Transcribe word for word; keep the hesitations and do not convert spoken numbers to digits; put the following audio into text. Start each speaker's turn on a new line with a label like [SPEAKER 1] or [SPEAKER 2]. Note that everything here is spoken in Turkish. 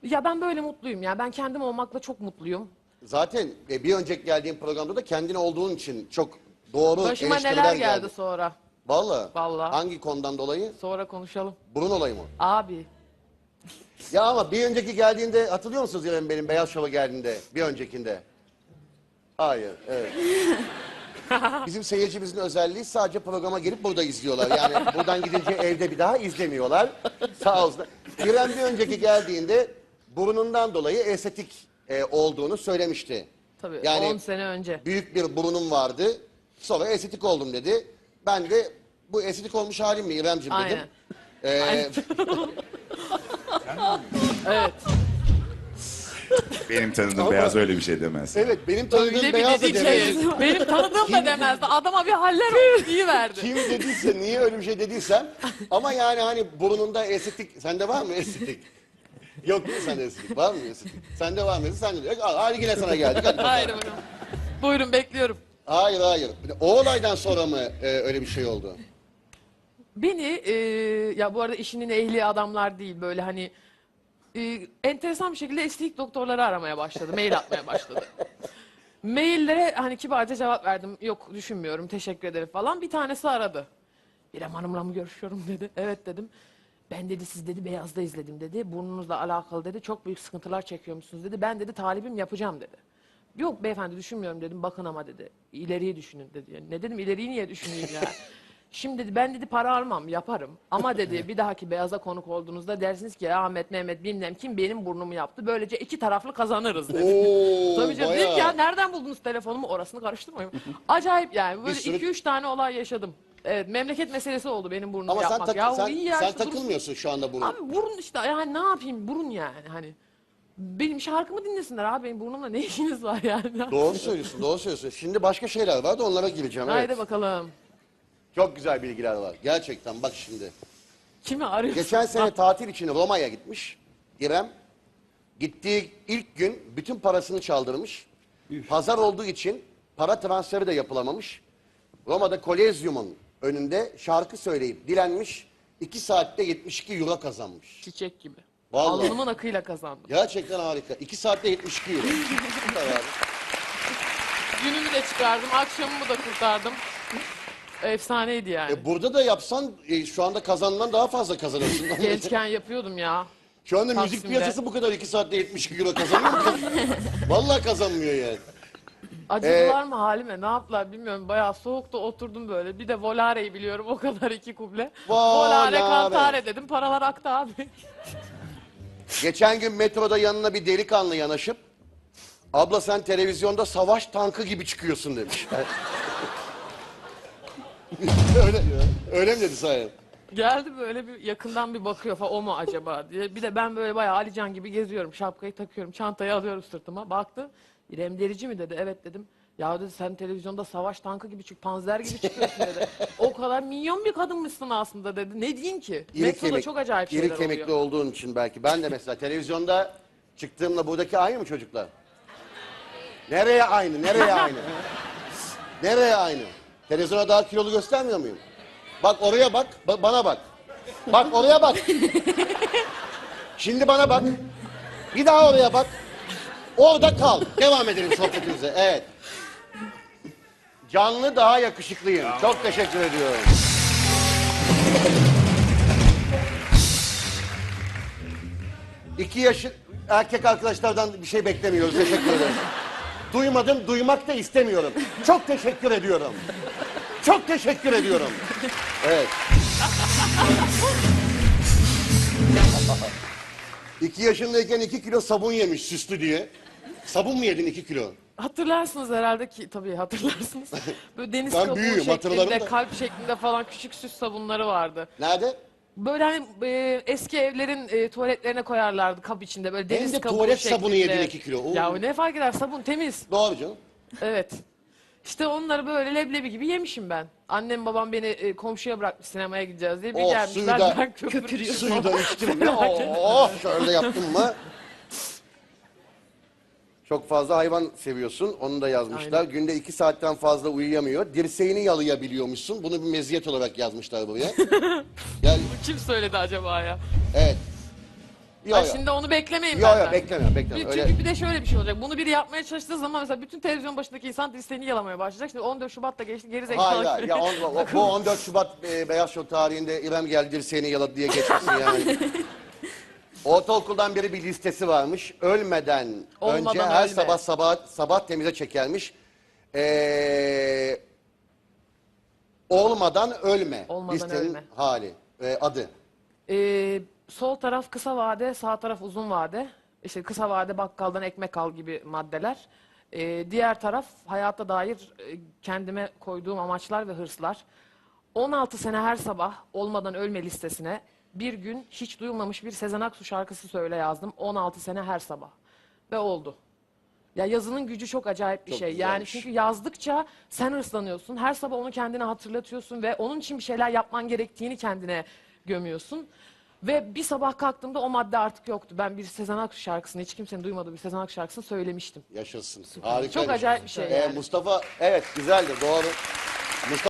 [SPEAKER 1] Ya ben böyle mutluyum ya. Ben kendim olmakla çok mutluyum.
[SPEAKER 2] Zaten e, bir önceki geldiğim programda da kendin olduğun için çok doğru
[SPEAKER 1] Başıma
[SPEAKER 2] eleştiriler
[SPEAKER 1] neler geldi
[SPEAKER 2] geldi.
[SPEAKER 1] sonra.
[SPEAKER 2] Vallahi.
[SPEAKER 1] Vallahi.
[SPEAKER 2] Hangi konudan dolayı?
[SPEAKER 1] Sonra konuşalım.
[SPEAKER 2] Burun olayı mı?
[SPEAKER 1] Abi.
[SPEAKER 2] Ya ama bir önceki geldiğinde hatırlıyor musunuz İrem benim Beyaz Şov'a geldiğinde? Bir öncekinde. Hayır, evet. Bizim seyircimizin özelliği sadece programa gelip burada izliyorlar. Yani buradan gidince evde bir daha izlemiyorlar. Sağ olsun. İrem bir önceki geldiğinde burnundan dolayı estetik e, olduğunu söylemişti.
[SPEAKER 1] Tabii
[SPEAKER 2] Yani
[SPEAKER 1] on sene önce.
[SPEAKER 2] büyük bir burnum vardı. Sonra estetik oldum dedi. Ben de bu estetik olmuş halim mi İremciğim dedim.
[SPEAKER 1] Aynen.
[SPEAKER 2] Ee,
[SPEAKER 1] Aynen. Evet.
[SPEAKER 3] Benim tanıdığım
[SPEAKER 2] Ama-
[SPEAKER 3] beyaz öyle bir şey demez.
[SPEAKER 2] evet benim tanıdığım
[SPEAKER 1] Öyle bir
[SPEAKER 2] beyaz da
[SPEAKER 1] dedi
[SPEAKER 2] demedi.
[SPEAKER 1] ki. Benim tanıdığım da demezdi. Adama bir haller oldu verdi.
[SPEAKER 2] Kim dediyse, niye öyle bir şey dediysem. Ama yani hani burnunda estetik, sende var mı estetik? Yok değil mi sende estetik? Var mı estetik? Sende var mı? Sende de yok. Al, hadi yine sana geldik. Hadi bakalım.
[SPEAKER 1] Hayır buyurun. Buyurun bekliyorum.
[SPEAKER 2] Hayır hayır. O olaydan sonra mı e, öyle bir şey oldu?
[SPEAKER 1] Beni e, ya bu arada işinin ehli adamlar değil böyle hani e, enteresan bir şekilde estetik doktorları aramaya başladı. Mail atmaya başladı. Maillere hani kibarca cevap verdim. Yok düşünmüyorum teşekkür ederim falan. Bir tanesi aradı. İrem Hanım'la mı görüşüyorum dedi. Evet dedim. Ben dedi siz dedi Beyaz'da izledim dedi. Burnunuzla alakalı dedi. Çok büyük sıkıntılar çekiyormuşsunuz dedi. Ben dedi talibim yapacağım dedi. Yok beyefendi düşünmüyorum dedim. Bakın ama dedi. İleriyi düşünün dedi. Yani ne dedim ileriyi niye düşüneyim ya? Şimdi dedi ben dedi para almam yaparım. Ama dedi bir dahaki Beyaz'a konuk olduğunuzda dersiniz ki ya Ahmet Mehmet bilmem kim benim burnumu yaptı. Böylece iki taraflı kazanırız dedi.
[SPEAKER 2] Oo,
[SPEAKER 1] Tabii canım.
[SPEAKER 2] bayağı.
[SPEAKER 1] Dedim ki ya nereden buldunuz telefonumu? Orasını karıştırmayın. Acayip yani. Böyle
[SPEAKER 2] Bir sürü-
[SPEAKER 1] iki üç tane olay yaşadım. Evet memleket meselesi oldu benim burnumu
[SPEAKER 2] Ama sen,
[SPEAKER 1] yapmak.
[SPEAKER 2] tak-
[SPEAKER 1] ya,
[SPEAKER 2] sen,
[SPEAKER 1] iyi ya,
[SPEAKER 2] sen
[SPEAKER 1] işte burun-
[SPEAKER 2] takılmıyorsun şu anda burun.
[SPEAKER 1] Abi burun işte yani ne yapayım burun yani hani. Benim şarkımı dinlesinler abi benim burnumla ne işiniz var yani.
[SPEAKER 2] Doğru söylüyorsun, doğru söylüyorsun. Şimdi başka şeyler var da onlara gireceğim. Evet.
[SPEAKER 1] Haydi bakalım.
[SPEAKER 2] Çok güzel bilgiler var. Gerçekten bak şimdi.
[SPEAKER 1] Kimi arıyorsun?
[SPEAKER 2] Geçen sene tatil için Roma'ya gitmiş İrem. Gittiği ilk gün bütün parasını çaldırmış. Pazar olduğu için para transferi de yapılamamış. Roma'da Kolezyum'un önünde şarkı söyleyip dilenmiş. iki saatte yetmiş iki euro kazanmış.
[SPEAKER 1] Çiçek gibi.
[SPEAKER 2] Vallahi.
[SPEAKER 1] Alnımın akıyla kazandım.
[SPEAKER 2] Gerçekten harika. iki saatte yetmiş iki euro. Süper abi.
[SPEAKER 1] Günümü de çıkardım, akşamımı da kurtardım. Efsaneydi yani.
[SPEAKER 2] E burada da yapsan e, şu anda kazanılan daha fazla kazanırsın.
[SPEAKER 1] Gençken yapıyordum ya.
[SPEAKER 2] Şu anda müzik
[SPEAKER 1] Taksim'de.
[SPEAKER 2] piyasası bu kadar iki saatte yetmiş iki euro kazanıyor mu? Vallahi kazanmıyor yani.
[SPEAKER 1] Acıdılar mı halime ne yaptılar bilmiyorum. Bayağı soğukta oturdum böyle. Bir de Volare'yi biliyorum o kadar iki kuble.
[SPEAKER 2] Volare.
[SPEAKER 1] Volare kantare dedim paralar aktı abi.
[SPEAKER 2] Geçen gün metroda yanına bir delikanlı yanaşıp abla sen televizyonda savaş tankı gibi çıkıyorsun demiş. öyle, öyle mi dedi sahi?
[SPEAKER 1] Geldi böyle bir yakından bir bakıyor falan o mu acaba diye. Bir de ben böyle bayağı Alican gibi geziyorum. Şapkayı takıyorum, çantayı alıyorum sırtıma. Baktı. İrem Derici mi dedi. Evet dedim. Ya dedi sen televizyonda savaş tankı gibi çık, panzer gibi çıkıyorsun dedi. O kadar minyon bir kadınmışsın aslında dedi. Ne diyeyim ki?
[SPEAKER 2] İri
[SPEAKER 1] Metroda
[SPEAKER 2] kemik-
[SPEAKER 1] çok acayip
[SPEAKER 2] iri
[SPEAKER 1] şeyler
[SPEAKER 2] kemikli
[SPEAKER 1] oluyor.
[SPEAKER 2] olduğun için belki. Ben de mesela televizyonda çıktığımla buradaki aynı mı çocuklar? Nereye aynı? Nereye aynı? Nereye aynı? Televizyona daha kilolu göstermiyor muyum? Bak oraya bak, ba- bana bak. Bak oraya bak. Şimdi bana bak. Bir daha oraya bak. Orada kal. Devam edelim sohbetimize. Evet. Canlı daha yakışıklıyım. Çok teşekkür ediyorum. İki yaşı erkek arkadaşlardan bir şey beklemiyoruz. Teşekkür ederim. Duymadım, duymak da istemiyorum. Çok teşekkür ediyorum. Çok teşekkür ediyorum. Evet. İki yaşındayken iki kilo sabun yemiş süslü diye. Sabun mu yedin iki kilo?
[SPEAKER 1] Hatırlarsınız herhalde ki tabii hatırlarsınız. Böyle deniz
[SPEAKER 2] Ben
[SPEAKER 1] kabuğu
[SPEAKER 2] büyüğüm, hatırlarım
[SPEAKER 1] şeklinde,
[SPEAKER 2] da.
[SPEAKER 1] kalp şeklinde falan küçük süs sabunları vardı.
[SPEAKER 2] Nerede?
[SPEAKER 1] Böyle hani e, eski evlerin e, tuvaletlerine koyarlardı kap içinde böyle deniz
[SPEAKER 2] de
[SPEAKER 1] kabuğu
[SPEAKER 2] tuvalet
[SPEAKER 1] şeklinde.
[SPEAKER 2] sabunu yedin iki kilo. Oo.
[SPEAKER 1] Ya ne fark eder sabun temiz.
[SPEAKER 2] Doğru canım.
[SPEAKER 1] Evet. İşte onları böyle leblebi gibi yemişim ben. Annem babam beni e, komşuya bırakmış sinemaya gideceğiz diye. Bir
[SPEAKER 2] Oh,
[SPEAKER 1] gelmişler
[SPEAKER 2] suyu da-
[SPEAKER 1] ben köpürüyorum.
[SPEAKER 2] Suyu da içtim mi? Oh, şöyle yaptın mı? Çok fazla hayvan seviyorsun. Onu da yazmışlar.
[SPEAKER 1] Aynen.
[SPEAKER 2] Günde iki saatten fazla uyuyamıyor. Dirseğini yalayabiliyormuşsun. Bunu bir meziyet olarak yazmışlar buraya. Yani,
[SPEAKER 1] Kim söyledi acaba ya?
[SPEAKER 2] evet. Yo,
[SPEAKER 1] Ha,
[SPEAKER 2] yo.
[SPEAKER 1] şimdi onu beklemeyin
[SPEAKER 2] Yo
[SPEAKER 1] benden.
[SPEAKER 2] yo beklemiyorum beklemiyorum.
[SPEAKER 1] Çünkü
[SPEAKER 2] Öyle...
[SPEAKER 1] bir de şöyle bir şey olacak. Bunu biri yapmaya çalıştığı zaman mesela bütün televizyon başındaki insan dirseğini yalamaya başlayacak. Şimdi on dört Şubat'ta geçti geri zekalı.
[SPEAKER 2] Hayır hayır. Ya on, o- bu on dört Şubat e, Beyaz Show tarihinde İrem geldi dirseğini yaladı diye geçmesin yani. Ortaokuldan beri bir listesi varmış. Ölmeden
[SPEAKER 1] Olmadan
[SPEAKER 2] önce her
[SPEAKER 1] ölme.
[SPEAKER 2] sabah sabah sabah temize çekermiş. Ee, olmadan ölme.
[SPEAKER 1] Olmadan
[SPEAKER 2] listenin
[SPEAKER 1] ölme.
[SPEAKER 2] hali, e, adı.
[SPEAKER 1] Ee, sol taraf kısa vade, sağ taraf uzun vade. İşte kısa vade bakkaldan ekmek al gibi maddeler. Ee, diğer taraf hayata dair e, kendime koyduğum amaçlar ve hırslar. on altı sene her sabah olmadan ölme listesine bir gün hiç duyulmamış bir Sezen Aksu şarkısı söyle yazdım. on altı sene her sabah. Ve oldu. Ya yazının gücü çok acayip bir
[SPEAKER 2] Çok
[SPEAKER 1] şey. Yani
[SPEAKER 2] güzelmiş.
[SPEAKER 1] çünkü yazdıkça sen hırslanıyorsun. Her sabah onu kendine hatırlatıyorsun ve onun için bir şeyler yapman gerektiğini kendine gömüyorsun. Ve bir sabah kalktığımda o madde artık yoktu. Ben bir Sezen Aksu şarkısını, hiç kimsenin duymadığı bir Sezen Aksu şarkısını söylemiştim.
[SPEAKER 2] Yaşasın. Harika.
[SPEAKER 1] Çok acayip bir şey
[SPEAKER 2] Ee,
[SPEAKER 1] yani.
[SPEAKER 2] Mustafa evet güzeldi doğru. Mustafa